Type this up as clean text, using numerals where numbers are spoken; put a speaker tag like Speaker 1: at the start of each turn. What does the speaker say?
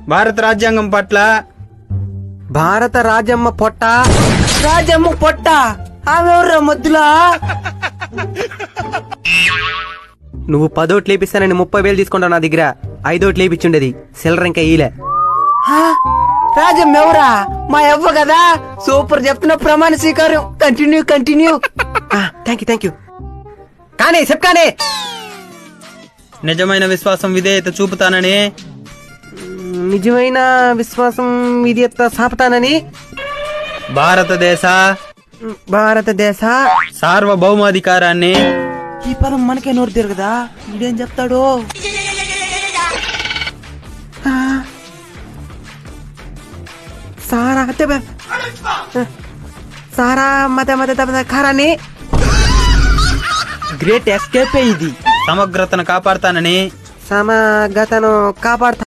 Speaker 1: భారత రాజ్యాంగం పట్ల
Speaker 2: భారత రాజమ్మ పొట్ట
Speaker 3: రాజమ్మ పొట్ట ఆమెవర్రా మధ్యలో
Speaker 2: నువ్వు 10 ఓట్లు లేపిస్తానని 30,000 తీసుకుంటావు నా దగ్గర. 5 ఓట్లు లేపించుండేది సిల్లర్ ఇంకా ఈలే.
Speaker 3: రాజమ్మ ఎవరా? మా అవ్వ కదా. సూపర్ చెప్తున్నా, ప్రమాణ స్వీకారం. కంటిన్యూ.
Speaker 2: థ్యాంక్ యూ కానీ చెప్పానే.
Speaker 1: నిజమైన విశ్వాసం విధేయత చూపుతానని
Speaker 2: నిజమైన విశ్వాసం విధేయత సాపుతానని భారతదేశ
Speaker 1: సార్వభౌమాధికారాన్ని
Speaker 3: ఈ పదం మనకే నోరు తిరగదా? ఇదేం చెప్తాడు?
Speaker 2: సారా మత కారాన్ని
Speaker 3: గ్రేట్ ఎస్కేప్ ఇది.
Speaker 1: సమగ్రతను కాపాడతానని
Speaker 2: సమగ్రతను కాపాడుతా